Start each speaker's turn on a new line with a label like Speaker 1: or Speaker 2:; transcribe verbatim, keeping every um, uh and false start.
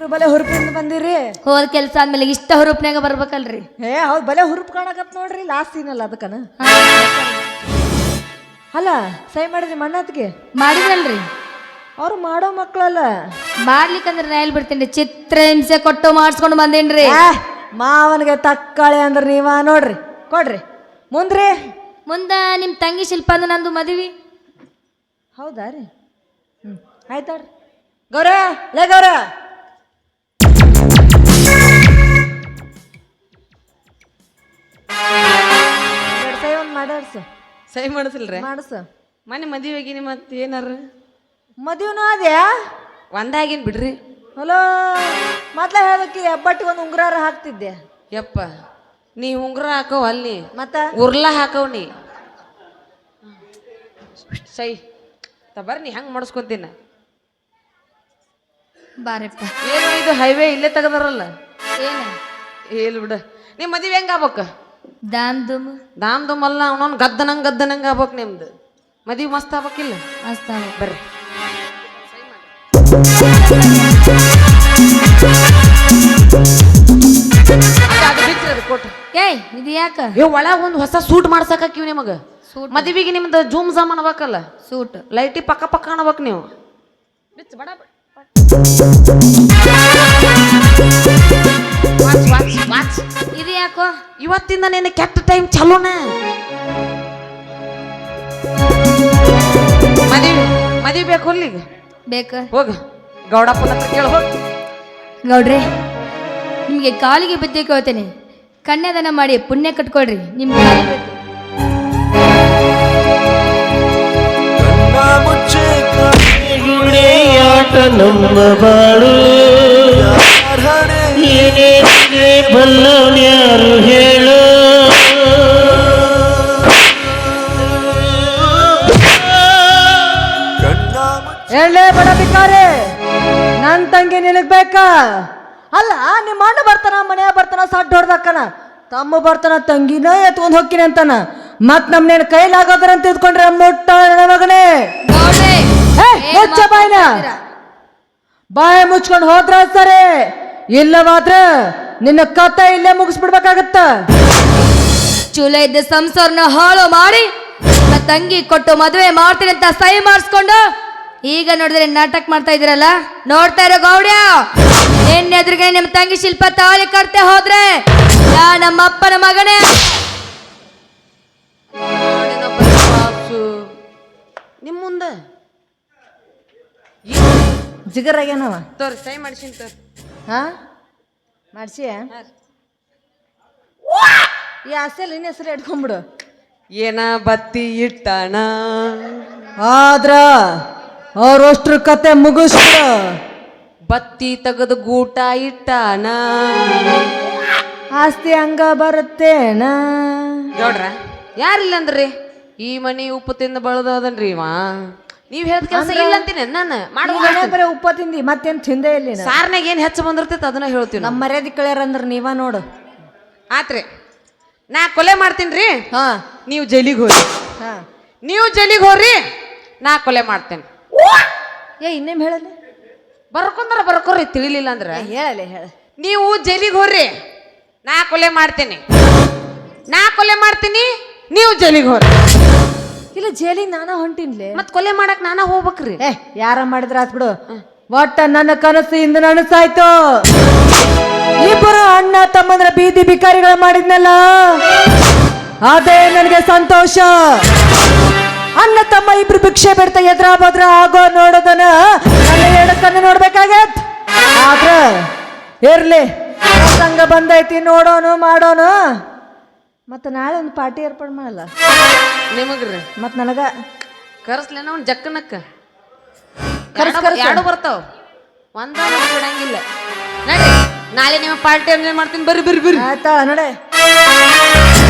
Speaker 1: ಬಲೆ ಹುರುಪಿಂದ ಬಂದಿರಿ.
Speaker 2: ಹೋದ ಕೆಲಸ ಆದ್ಮೇಲೆ ಇಷ್ಟ ಹುರುಪ್ನಾಗ ಬರ್ಬೇಕಲ್ರಿ.
Speaker 1: ಏ ಹೌದು ಬಲೆ ಹುರುಪ್ ಕಾಣಕತ್ ನೋಡ್ರಿ ಲಾಸ್ಟ್ ಸೀನಲ್ಲ ಅದಕ್ಕನ. ಅಲ್ಲ ಸೈ ಮಾಡಿದ್ರಿ ಮಣ್ಣತ್ಗೆ
Speaker 2: ಮಾಡಿದಲ್ರಿ.
Speaker 1: ಅವ್ರು ಮಾಡೋ ಮಕ್ಕಳಲ್ಲ
Speaker 2: ಮಾಡ್ಲಿಕ್ಕಂದ್ರೆ ನಾ ಎಲ್ಲಿ ಬಿಡ್ತೀನಿ. ಚಿತ್ರ ಹಿಂಸೆ ಕೊಟ್ಟು ಮಾಡಿಸ್ಕೊಂಡು ಬಂದೇನ್ರಿ.
Speaker 1: ಮಾವನಿಗೆ ತಕ್ಕಾಳೆ ಅಂದ್ರೆ ನೀವ ನೋಡ್ರಿ ಕೊಡ್ರಿ ಮುಂದ್ರಿ.
Speaker 2: ಮುಂದ ನಿಮ್ ತಂಗಿ ಶಿಲ್ಪ ಅಂದ ನಂದು ಮದುವೆ.
Speaker 1: ಹೌದಾ ರೀ? ಹ್ಞೂ ಆಯ್ತಾಡ್ರಿ. ಗೌರ ಲೇ ಗೌರ ಸೈ ಒಂದು ಮಾಡಾಡ್ಸ.
Speaker 3: ಸಹಿ ಮಾಡಿಸಿಲ್ರಿ
Speaker 1: ಮಾಡಸ.
Speaker 3: ಮನೆ ಮದುವೆಗಿನಿ ಮತ್ತೆ ಏನಾರ
Speaker 1: ಮದುವೆನೂ ಅದ್ಯಾ
Speaker 3: ಒಂದಾಗಿನ್ ಬಿಡ್ರಿ.
Speaker 1: ಹಲೋ ಮೊದ್ಲ ಹೇಳ್ಬೇಕಿ ಹಬ್ಬಟ್ಟಿಗೆ ಒಂದು ಉಂಗುರಾರ ಹಾಕ್ತಿದ್ದೆ.
Speaker 3: ಯಪ್ಪ ನೀ ಉಂಗುರ ಹಾಕವ್ ಅಲ್ಲಿ
Speaker 1: ಮತ್ತ
Speaker 3: ಉರ್ಲ ಹಾಕವ್ ನೀ ಸೈ ತಬರ್ ನೀ ಹೆಂಗ್ ಮಾಡಿಸ್ಕೊಂತೀನ.
Speaker 2: ಬಾರಪ್ಪ.
Speaker 3: ಏನು ಇದು ಹೈವೇ ಇಲ್ಲೇ ತೆಗದಾರಲ್ಲ.
Speaker 2: ಏನ
Speaker 3: ಹೇಳಿ ಬಿಡ. ನಿಮ್ಮ ಮದುವೆ ಹೆಂಗ ಆಗ್ಬೇಕ?
Speaker 2: ದಾಮ್ ದುಮ್
Speaker 3: ದಾಮ್ ದುಮ್ ಅಲ್ಲ ಅವನೊಂದು ಗದ್ದನಂಗ್ ಗದ್ದನಂಗ್ ಆಗ್ಬೇಕು. ನಿಮ್ದು ಮದುವೆ ಮಸ್ತ್ ಆಗ್ಬೇಕಿಲ್ಲ?
Speaker 2: ಅಸ್ತಾವ
Speaker 3: ಬರ್ರಿ ಅದು ಬಿಚ್ರಿ ಅದು ಕೊಟ್ಟು.
Speaker 2: ಏಯ್ ಇದು ಯಾಕ
Speaker 3: ಏ ಒಳಗ ಒಂದು ಹೊಸ ಸೂಟ್ ಮಾಡ್ಸಕ್ಕಿವ್ ನಿಮಗ.
Speaker 2: ಸೂಟ್
Speaker 3: ಮದುವೆಗೆ ನಿಮ್ದು ಜೂಮ್ ಜಾಮ್ ಅನ್ಬೇಕಲ್ಲ.
Speaker 2: ಸೂಟ್
Speaker 3: ಲೈಟಿ ಪಕ್ಕ ಪಕ್ಕ ಅನ್ಬೇಕು ನೀವು. ಬಿಚ್ಚ ಬಡ ವಾಚ್ ವಾಚ್ ವಾಚ್.
Speaker 2: ಇದು ಯಾಕೋ
Speaker 3: ಇವತ್ತಿಂದ ನಿನ್ನ ಕೆಟ್ಟ ಟೈಮ್ ಚಲೋನ. ಮದುವೆ ಮದುವೆ ಬೇಕು ಅಲ್ಲಿಗೆ
Speaker 2: ಬೇಕ.
Speaker 3: ಹೋಗ ಗೌಡಪ್ಪನ ಹತ್ರ ಕೇಳ ಹೋಗ.
Speaker 2: ಗೌಡ್ರಿ ನಿಮ್ಗೆ ಕಾಲಿಗೆ ಬಿದ್ದೆ ಕೇಳ್ತೇನೆ. ಕನ್ಯಾದಾನ ಮಾಡಿ ಪುಣ್ಯ ಕಟ್ಕೊಳ್ರಿ. ನಿಮ್ಗೆ ಕಾಲಿಗೆ ಬೇಕು.
Speaker 4: ಮುಚ್ಚೆ ಗುಣೆಯಾಟ ನಮ್ಮ ಬಾಳು ಏನೇ ಬಲ್ಲವ್ಯಾರು ಹೇಳು.
Speaker 1: ಹೇಳಲೇ ಬಡ ಬಿಕಾರಿ ನನ್ ತಂಗಿ ನಿನಗ್ ಬೇಕಾ? ಅಲ್ಲ ನಿಮ್ಮ ಅಣ್ಣ ಬರ್ತಾನ ಮನೆಯ ಬರ್ತಾನ ಸಡ್ಡು ಹೊಡ್ದಕ್ಕನ ತಮ್ಮ ಬರ್ತಾನ ತಂಗಿನ ಎತ್ಕೊಂಡ್ ಹೋಗ್ತೀನಿ ಅಂತಾನ. ಮತ್ ನಮ್ನೇನ್ ಕೈಲಾಗೋದ್ರಂತ ಇದ್ಕೊಂಡ್ರೆ ಮುಟ್ಟ ಮಗನೇ.
Speaker 2: ಗೌಡ್ರೆ, ಏನ್
Speaker 1: ಮುಚ್ಚ ಬಾಯ್ನ
Speaker 2: ಮಾತಾಡ್ತೀರಾ?
Speaker 1: ಬಾಯಿ ಮುಚ್ಕೊಂಡು ಹೋದ್ರ ಸರಿ, ಇಲ್ಲವಾದ್ರ ನಿನ್ನ ಕತೆ ಇಲ್ಲೇ ಮುಗಿಸ್ಬಿಡ್ಬೇಕಾಗತ್ತ.
Speaker 2: ಚೂಲ ಇದ್ದ ಸಂಸಾರನ ಹಾಳು ಮಾಡಿ ನನ್ನ ತಂಗಿ ಕೊಟ್ಟು ಮದುವೆ ಮಾಡ್ತೀನಿ ಅಂತ ಸಹಿ ಮಾಡಿಸ್ಕೊಂಡು ಈಗ ನೋಡಿದ್ರೆ ನಾಟಕ ಮಾಡ್ತಾ ಇದ್ದೀರಲ್ಲ. ನೋಡ್ತಾ ಇರೋ ಗೌಡ್ಯ, ನಿನ್ನ ಎದುರಿಗೆ ನಿಮ್ಮ ತಂಗಿ ಶಿಲ್ಪ ತಾಳಿ ಕಟ್ತೆ ಹೋದ್ರೆ ಯಾ ನಮ್ಮ ಅಪ್ಪನ ಮಗನೇ.
Speaker 3: ನಿಮ್ ಮುಂದ
Speaker 1: ಜಿಗರಾಗ್ಯಾನವ
Speaker 3: ತೋರಿ ಸೈ ಮಾಡ್ಸಿನ್ ತೋರಿ.
Speaker 1: ಹಾ ಮಾಡ್ಸಿ ಈ ಆಸೆಲ್ ನಿನ್ನ ಹೆಸರು ಇಟ್ಕೊಂಡ್ಬಿಡು.
Speaker 3: ಏನ ಬತ್ತಿ ಇಟ್ಟಣ
Speaker 1: ಆದ್ರ ಅವ್ರಷ್ಟ್ರ ಕತೆ ಮುಗಿಸ್ಬಿಡು.
Speaker 3: ಬತ್ತಿ ತೆಗೆದು ಗೂಟ ಇಟ್ಟಣ.
Speaker 1: ಆಸ್ತಿ ಹಂಗ ಬರುತ್ತೇನ?
Speaker 3: ನೋಡ್ರ ಯಾರಿಲ್ಲ ಅಂದ್ರಿ ಈ ಮನಿ ಉಪ್ಪು ತಿಂದ ಬಳದನ್ರಿ ಇವ. ನೀವ್ ಹೇಳ್ದ ಕೆಲಸ ಇಲ್ಲ ಅಂತೀನಿ ನಾನು
Speaker 1: ಮಾಡೋದು ಬರೀ ಉಪ್ಪ ತಿಂದಿ ಮತ್ತೇನ್ ತಿಂದೇ ಇಲ್ಲ.
Speaker 3: ಸಾರ್ನಾಗ ಏನ್ ಹೆಚ್ಚು ಬಂದಿರ್ತೈತೆ ಅದನ್ನ ಹೇಳ್ತೀವಿ.
Speaker 1: ನಮ್ಮ ಮರ್ಯಾದೆ ಕಳ್ಯಾರಂದ್ರ ನೀವ ನೋಡು.
Speaker 3: ಆತ್ರಿ ನಾ ಕೊಲೆ ಮಾಡ್ತೀನ್ರಿ,
Speaker 1: ಹಾ
Speaker 3: ನೀವು ಜೈಲಿಗೆ ಹೋರಿ.
Speaker 1: ಹಾ
Speaker 3: ನೀವು ಜೈಲಿಗೆ ಹೋರಿ, ನಾ ಕೊಲೆ ಮಾಡ್ತೇನೆ.
Speaker 1: ಏ ಇನ್ನೇಮ್ ಹೇಳಲ್ಲ
Speaker 3: ಬರ್ಕೊಂಡ್ರ ಬರ್ಕೋರಿ, ತಿಳಿಲಿಲ್ಲ ಅಂದ್ರ
Speaker 1: ಹೇಳಲ್ಲ ಹೇಳ.
Speaker 3: ನೀವು ಜೈಲಿಗೆ ಹೋರ್ರಿ, ನಾ ಕೊಲೆ ಮಾಡ್ತೇನೆ. ನಾ ಕೊಲೆ ಮಾಡ್ತೀನಿ, ನೀವು ಜೈಲಿಗೆ ಹೋರಿ.
Speaker 1: ಇಲ್ಲ ಜೈಲಿಗೆ ನಾನಾ ಹೊಂಟಿನ್ಲೆ.
Speaker 3: ಮತ್ ಕೊಲೆ ಮಾಡಕ್ ನಾನಾ ಹೋಗ್ಬೇಕ್ರಿ.
Speaker 1: ಏ ಯಾರ ಮಾಡಿದ್ರ ಆತ್ ಬಿಡು. ಒಟ್ಟ ನನ್ನ ಕನಸು ಇಂದ ನನಸಾಯ್ತು. ಇಬ್ಬರು ಅಣ್ಣ ತಮ್ಮಂದ್ರ ಬೀದಿ ಬಿಕಾರಿಗಳ ಮಾಡಿದ್ನಲ್ಲ, ಅದೇ ನನಗೆ ಸಂತೋಷ. ಅಣ್ಣ ತಮ್ಮ ಇಬ್ರು ಭಿಕ್ಷೆ ಬಿಡ್ತಾ ಎದ್ರ ಬದ್ರ ಆಗೋ ನೋಡೋದನ್ನ ನನ್ನ ಎಡಕನ್ನ ನೋಡ್ಬೇಕಾಗತ್. ಆದ್ರ ಇರ್ಲಿ, ಸಂಘ ಬಂದೈತಿ, ನೋಡೋನು ಮಾಡೋನು. ಮತ್ತ ನಾಳೆ ಒಂದು ಪಾರ್ಟಿ ಏರ್ಪಾಡು ಮಾಡಲ್ಲ
Speaker 3: ನಿಮಗ್ರಿ?
Speaker 1: ಮತ್ ನನಗ
Speaker 3: ಕರ್ಸ್ಲೇನ ಅವ್ನ ಜಕ್ಕನಕ್ಕ
Speaker 1: ಕರ್ಸ್ ಕರ್ಸ್
Speaker 3: ಎರಡು ಬರ್ತಾವ, ಒಂದ ಬಿಡಂಗಿಲ್ಲ. ನಡಿ ನಾಳೆ ನಿಮ್ಮ ಪಾರ್ಟಿ ಎಂಜಾಯ್ ಮಾಡ್ತೀನಿ. ಬರ್ರಿ ಬರ್ರಿ ಬರ್ರಿ.
Speaker 1: ಆಯ್ತಾ ನಡೆ.